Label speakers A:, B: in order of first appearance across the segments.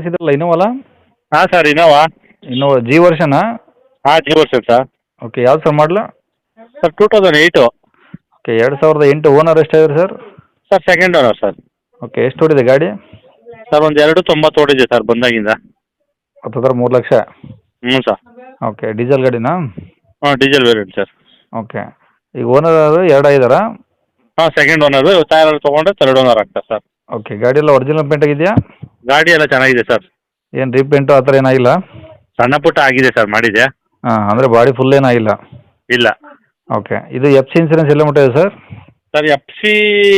A: ಕಳಿಸಿದ್ರಲ್ಲ ಇನೋವಲ್ಲ?
B: ಹಾಂ sir Innova.
A: Innova G ವರ್ಷನಾ?
B: ಹಾಂ ಜಿ ವರ್ಷನ್ ಸರ್.
A: ಓಕೆ, ಯಾವ್ದು ಸರ್ ಮಾಡಲು?
B: ಸರ್ 2008.
A: ಓಕೆ, 2008. ಓನರ್ ಎಷ್ಟಾಗಿದ್ರು sir?
B: Sir second owner sir.
A: Okay, ಎಷ್ಟು ಓಡಿದೆ ಗಾಡಿ?
B: ಸರ್ ಒಂದು 290 ಓಡಿದೆ ಸರ್ ಬಂದಾಗಿಂದ.
A: ಹತ್ತಿರ 3 ಲಕ್ಷ.
B: ಹ್ಞೂ ಸರ್.
A: ಓಕೆ, ಡೀಸೆಲ್ ಗಾಡಿನಾ?
B: ಹಾಂ ಡೀಸೆಲ್ ವೇರಿಯಂಟ್ ಸರ್.
A: ಓಕೆ, ಈಗ ಓನರ್ ಎರಡು ಆಗಿದಾರಾ?
B: ಹಾಂ ಸೆಕೆಂಡ್ ಓನರು. ಟೈರ್ ತೊಗೊಂಡ್ರೆ ಥರ್ಡ್ ಓನರ್ ಆಗ್ತಾರೆ ಸರ್.
A: ಓಕೆ, ಗಾಡಿ ಎಲ್ಲ ಒರಿಜಿನಲ್ ಪೇಂಟ್ ಆಗಿದೆಯಾ?
B: ಗಾಡಿ ಎಲ್ಲ ಚೆನ್ನಾಗಿದೆ ಸರ್.
A: ಏನು ರೀಪೇಂಟು ಆ ಥರ ಏನಾಗಿಲ್ಲ?
B: ಸಣ್ಣ ಪುಟ್ಟ ಆಗಿದೆ ಸರ್ ಮಾಡಿದೆ.
A: ಹಾಂ, ಅಂದರೆ ಬಾಡಿ ಫುಲ್ ಏನಾಗಿಲ್ಲ?
B: ಇಲ್ಲ.
A: ಓಕೆ, ಇದು ಎಫ್ ಸಿ ಇನ್ಸೂರೆನ್ಸ್ ಎಲ್ಲ ಮುಟ್ಟಿದೆ ಸರ್?
B: ಸರ್ ಎಫ್ ಸಿ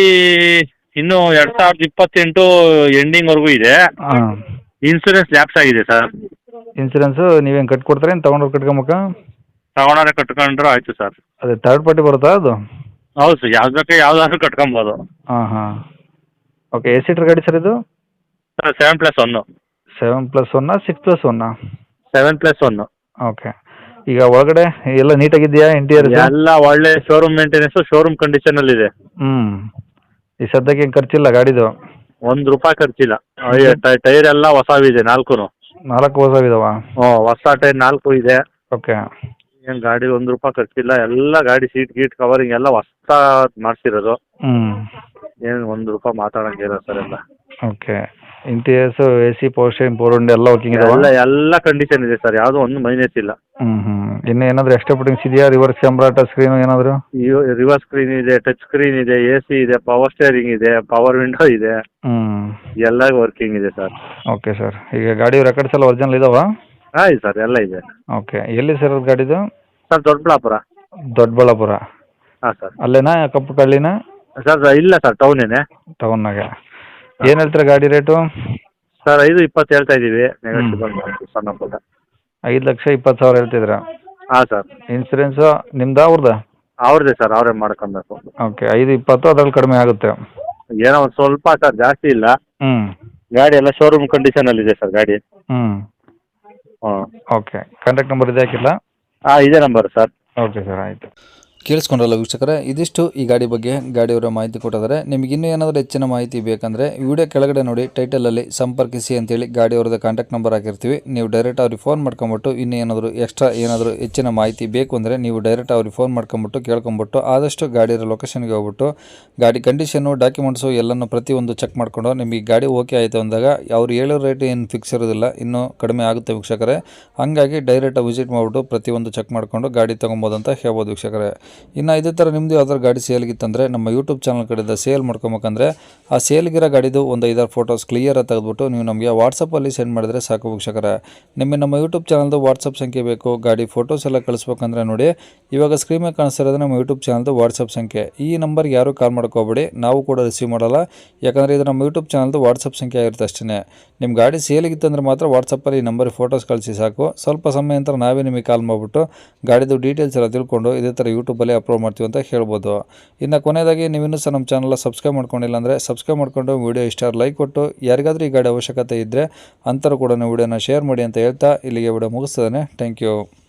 B: ಇನ್ನೂ 2028 ಎಂಡಿಂಗ್ವರೆಗೂ ಇದೆ.
A: ಹಾಂ.
B: ಇನ್ಸೂರೆನ್ಸ್ ಲ್ಯಾಪ್ಸ್ ಆಗಿದೆ ಸರ್.
A: ಇನ್ಸೂರೆನ್ಸು ನೀವೇನು ಕಟ್ಕೊಡ್ತಾರೆ, ಏನು ತೊಗೊಂಡೋಗಿ ಕಟ್ಕೊಂಬೇಕಾ?
B: ತಗೊಂಡ್ರೆ ಕಟ್ಕೊಂಡ್ರು ಆಯಿತು ಸರ್.
A: ಅದೇ ಥರ್ಡ್ ಪಾರ್ಟಿ ಬರುತ್ತಾ ಅದು?
B: ಹೌದು ಸರ್, ಯಾವುದಕ್ಕೆ ಯಾವುದಾದ್ರೂ ಕಟ್ಕೊಬೋದು.
A: ಹಾಂ ಹಾಂ. ಓಕೆ, ಎಷ್ಟು ಸೀಟ್ರ್ ಗಾಡಿ ಸರ್ ಇದು?
B: ಸರ್ 7+1.
A: 7+1 6+1?
B: 7+1.
A: ಓಕೆ, ಈಗ ಒಳಗಡೆ ಎಲ್ಲ ನೀಟಾಗಿದೆಯಾ ಇಂಟೀರಿಯರ್?
B: ಎಲ್ಲ ಒಳ್ಳೆ ಶೋರೂಮ್ ಮೇಂಟೆನೆನ್ಸು, ಶೋರೂಮ್ ಕಂಡೀಷನಲ್ಲಿದೆ.
A: ಹ್ಞೂ. ಈ ಸದ್ಯಕ್ಕೆ ಏನು ಖರ್ಚಿಲ್ಲ ಗಾಡಿದು?
B: ₹1 ಖರ್ಚಿಲ್ಲ. ಟೈರ್ ಎಲ್ಲ ಹೊಸವಿದೆ 4.
A: 4 ಹೊಸವಿದಾವ?
B: ಹ್ಞೂ, ಹೊಸ ಟೈರ್ 4 ಇದೆ.
A: ಓಕೆ.
B: ಏನು ಗಾಡಿ ₹1 ಖರ್ಚಿಲ್ಲ. ಎಲ್ಲ ಗಾಡಿ ಸೀಟ್ ಗೀಟ್ ಕವರಿಂಗ್ ಎಲ್ಲ ಹೊಸ ಮಾಡಿಸಿರೋದು.
A: ಹ್ಞೂ.
B: ಏನು ₹1 ಮಾತಾಡೋಂಗಿಲ್ಲ ಸರ್ ಎಲ್ಲ.
A: Okay, interiors A C power steering power window ಎಲ್ಲ ವರ್ಕಿಂಗ್ ಇದಾವ?
B: ಎಲ್ಲ ಕಂಡೀಷನ್ ಇದೆ ಸರ್, ಯಾವುದೋ ಒಂದು ಮೈನಸ್ ಇಲ್ಲ.
A: ಹ್ಞೂ ಹ್ಞೂ. ಇನ್ನು ಏನಾದರೂ ಎಕ್ಸ್ಟ್ರಾ ಫಿಟ್ಟಿಂಗ್ಸ್ ಇದೆಯಾ? ರಿವರ್ಸ್ ಕ್ಯಾಮ್ರಾ, ಟಚ್ ಸ್ಕ್ರೀನು ಏನಾದರೂ?
B: ರಿವರ್ಸ್ ಸ್ಕ್ರೀನ್ ಇದೆ, ಟಚ್ ಸ್ಕ್ರೀನ್ ಇದೆ, ಎ ಸಿ ಇದೆ, ಪವರ್ ಸ್ಟೇರಿಂಗ್ ಇದೆ, ಪವರ್ ವಿಂಡೋ ಇದೆ.
A: ಹ್ಞೂ.
B: ಎಲ್ಲ ವರ್ಕಿಂಗ್ ಇದೆ ಸರ್.
A: ಓಕೆ ಸರ್, ಈಗ ಗಾಡಿ ರೆಕಾರ್ಡ್ಸ್ ಎಲ್ಲ ಒರಿಜಿನಲ್ ಇದಾವಾ?
B: ಹಾಂ ಸರ್, ಎಲ್ಲ ಇದೆ.
A: ಓಕೆ, ಎಲ್ಲಿ ಸರ್ ಅದು ಗಾಡಿದು?
B: ಸರ್ ದೊಡ್ಡಬಳ್ಳಾಪುರ.
A: ದೊಡ್ಡಬಳ್ಳಾಪುರ?
B: ಹಾಂ ಸರ್.
A: ಅಲ್ಲೇನಾ ಕಪ್ಪು ಕಳ್ಳಿನ?
B: ಸರ್ ಇಲ್ಲ ಸರ್, ಟೌನೇನೆ.
A: ಟೌನ್ನಾಗೆ. ಏನು ಹೇಳ್ತೀರಾ ಗಾಡಿ ರೇಟು?
B: ಸರ್ 5.20 ಹೇಳ್ತಾ ಇದ್ದೀವಿ. ನೆಗೋಷಿಯಬಲ್ ಸಣ್ಣ ಪುಟ್ಟ.
A: 5,20,000 ಹೇಳ್ತಿದ್ದೀರಾ?
B: ಹಾಂ ಸರ್.
A: ಇನ್ಸೂರೆನ್ಸು ನಿಮ್ದಾ ಅವ್ರದ್ದಾ?
B: ಅವ್ರದ್ದೇ ಸರ್, ಅವರೇ ಮಾಡ್ಕೊಬೇಕು.
A: ಓಕೆ, 5,20 ಅದ್ರಲ್ಲಿ ಕಡಿಮೆ ಆಗುತ್ತೆ?
B: ಏನೋ ಒಂದು ಸ್ವಲ್ಪ ಸರ್, ಜಾಸ್ತಿ ಇಲ್ಲ.
A: ಹ್ಞೂ.
B: ಗಾಡಿ ಎಲ್ಲ ಶೋರೂಮ್ ಕಂಡೀಷನಲ್ಲಿದೆ ಸರ್ ಗಾಡಿ.
A: ಹ್ಞೂ.
B: ಹಾಂ.
A: ಓಕೆ, ಕಾಂಟ್ಯಾಕ್ಟ್ ನಂಬರ್ ಇದೆ ಹಾಕಿಲ್ಲ?
B: ಹಾಂ ಇದೇ ನಂಬರ್ ಸರ್.
A: ಓಕೆ ಸರ್, ಆಯಿತು.
C: ಕೇಳಿಸ್ಕೊಂಡ್ರಲ್ಲ ವೀಕ್ಷಕರೇ, ಇದಿಷ್ಟು ಈ ಗಾಡಿ ಬಗ್ಗೆ ಗಾಡಿಯವರ ಮಾಹಿತಿ ಕೊಟ್ಟಿದ್ದಾರೆ. ನಿಮಗೆ ಇನ್ನೂ ಏನಾದರೂ ಹೆಚ್ಚಿನ ಮಾಹಿತಿ ಬೇಕಂದರೆ ವಿಡಿಯೋ ಕೆಳಗಡೆ ನೋಡಿ ಟೈಟಲಲ್ಲಿ ಸಂಪರ್ಕಿಸಿ ಅಂತೇಳಿ ಗಾಡಿಯವ್ರದ್ದು ಕಾಂಟ್ಯಾಕ್ಟ್ ನಂಬರ್ ಹಾಕಿರ್ತೀವಿ. ನೀವು ಡೈರೆಕ್ಟ್ ಅವ್ರಿಗೆ ಫೋನ್ ಮಾಡ್ಕೊಂಬಿಟ್ಟು ಇನ್ನೂ ಏನಾದರೂ ಎಕ್ಸ್ಟ್ರಾ ಏನಾದರೂ ಹೆಚ್ಚಿನ ಮಾಹಿತಿ ಬೇಕು ಅಂದರೆ ನೀವು ಡೈರೆಕ್ಟ್ ಅವ್ರಿಗೆ ಫೋನ್ ಮಾಡ್ಕೊಂಬಿಟ್ಟು ಕೇಳ್ಕೊಂಬಿಟ್ಟು ಆದಷ್ಟು ಗಾಡಿಯ ಲೊಕೇಶನ್ಗೆ ಹೋಗ್ಬಿಟ್ಟು ಗಾಡಿ ಕಂಡೀಷನ್ನು ಡಾಕ್ಯುಮೆಂಟ್ಸು ಎಲ್ಲನೂ ಪ್ರತಿಯೊಂದು ಚೆಕ್ ಮಾಡಿಕೊಂಡು ನಿಮಗೆ ಗಾಡಿ ಓಕೆ ಆಯಿತು ಅಂದಾಗ ಅವ್ರು ಹೇಳೋ ರೇಟ್ ಏನು ಫಿಕ್ಸ್ ಇರೋದಿಲ್ಲ, ಇನ್ನೂ ಕಡಿಮೆ ಆಗುತ್ತೆ ವೀಕ್ಷಕರೇ. ಹಾಗಾಗಿ ಡೈರೆಕ್ಟ್ ವಿಸಿಟ್ ಮಾಡಿಬಿಟ್ಟು ಪ್ರತಿಯೊಂದು ಚೆಕ್ ಮಾಡಿಕೊಂಡು ಗಾಡಿ ತೊಗೊಬೋದು ಅಂತ ಹೇಳ್ಬೋದು ವೀಕ್ಷಕರೇ. ಇನ್ನು ಇದೇ ಥರ ನಿಮ್ಮದು ಯಾವ್ದಾದ್ರು ಗಾಡಿ ಸೇಲ್ಗಿತ್ತಂದರೆ ನಮ್ಮ ಯೂಟ್ಯೂಬ್ ಚಾನಲ್ ಕಡೆಯಿಂದ ಸೇಲ್ ಮಾಡ್ಕೊಬೇಕಂದ್ರೆ ಆ ಸೇಲ್ಗಿರೋ ಗಾಡಿದು ಒಂದು 5-6 ಫೋಟೋಸ್ ಕ್ಲಿಯರಾಗಿ ತೆಗೆದುಬಿಟ್ಟು ನೀವು ನಮಗೆ ವಾಟ್ಸಪ್ಪಲ್ಲಿ ಸೆಂಡ್ ಮಾಡಿದರೆ ಸಾಕು ವೀಕ್ಷಕರೇ. ನಿಮಗೆ ನಮ್ಮ ಯೂಟ್ಯೂಬ್ ಚಾನಲ್ದು ವಾಟ್ಸಪ್ ಸಂಖ್ಯೆ ಬೇಕು, ಗಾಡಿ ಫೋಟೋಸ್ ಎಲ್ಲ ಕಳಿಸ್ಬೇಕಂದ್ರೆ ನೋಡಿ ಇವಾಗ ಸ್ಕ್ರೀನ್ ಮೇಲೆ ಕಾಣಿಸ್ತಿರೋದು ನಮ್ಮ ಯೂಟ್ಯೂಬ್ ಚಾನಲ್ದು ವಾಟ್ಸಪ್ ಸಂಖ್ಯೆ. ಈ ನಂಬರ್ಗೆ ಯಾರೂ ಕಾಲ್ ಮಾಡ್ಕೋಬೇಡಿ, ನಾವು ಕೂಡ ರಿಸೀವ್ ಮಾಡಲ್ಲ. ಯಾಕಂದರೆ ಇದು ನಮ್ಮ ಯೂಟ್ಯೂಬ್ ಚಾನಲ್ದು ವಾಟ್ಸಪ್ ಸಂಖ್ಯೆ ಆಗಿರುತ್ತೆ ಅಷ್ಟೇ. ನಿಮ್ಮ ಗಾಡಿ ಸೇಲಿಗಿತ್ತಂದ್ರೆ ಮಾತ್ರ ವಾಟ್ಸಪ್ಪಲ್ಲಿ ಈ ನಂಬರಿಗೆ ಫೋಟೋಸ್ ಕಳಿಸಿ ಸಾಕು. ಸ್ವಲ್ಪ ಸಮಯ ನಂತರ ನಾವೇ ನಿಮಗೆ ಕಾಲ್ ಮಾಡಿಬಿಟ್ಟು ಗಾಡಿದು ಡೀಟೇಲ್ಸ್ ಎಲ್ಲ ತಿಳ್ಕೊಂಡು ಇದೇ ಥರ ಯೂಟ್ಯೂಬಲ್ಲಿ ಅಪ್ಲೋಡ್ ಮಾಡ್ತೀವಿ ಅಂತ ಹೇಳ್ಬೋದು. ಇನ್ನು ಕೊನೆಯದಾಗಿ ನೀವಿನ್ನೂ ಸಹ ನಮ್ಮ ಚಾನಲ್ ಸಬ್ಸ್ಕ್ರೈಬ್ ಮಾಡ್ಕೊಂಡಿಲ್ಲ ಅಂದರೆ ಸಬ್ಸ್ಕ್ರೈಬ್ ಮಾಡ್ಕೊಂಡು ವಿಡಿಯೋ ಇಷ್ಟ ಲೈಕ್ ಕೊಟ್ಟು ಯಾರಿಗಾದರೂ ಈ ಗಾಡಿ ಅವಶ್ಯಕತೆ ಇದ್ದರೆ ಅಂಥವ್ರು ಕೂಡ ವಿಡಿಯೋನ ಶೇರ್ ಮಾಡಿ ಅಂತ ಹೇಳ್ತಾ ಇಲ್ಲಿಗೆ ವಿಡಿಯೋ ಮುಗಿಸ್ತದೆ. Thank you.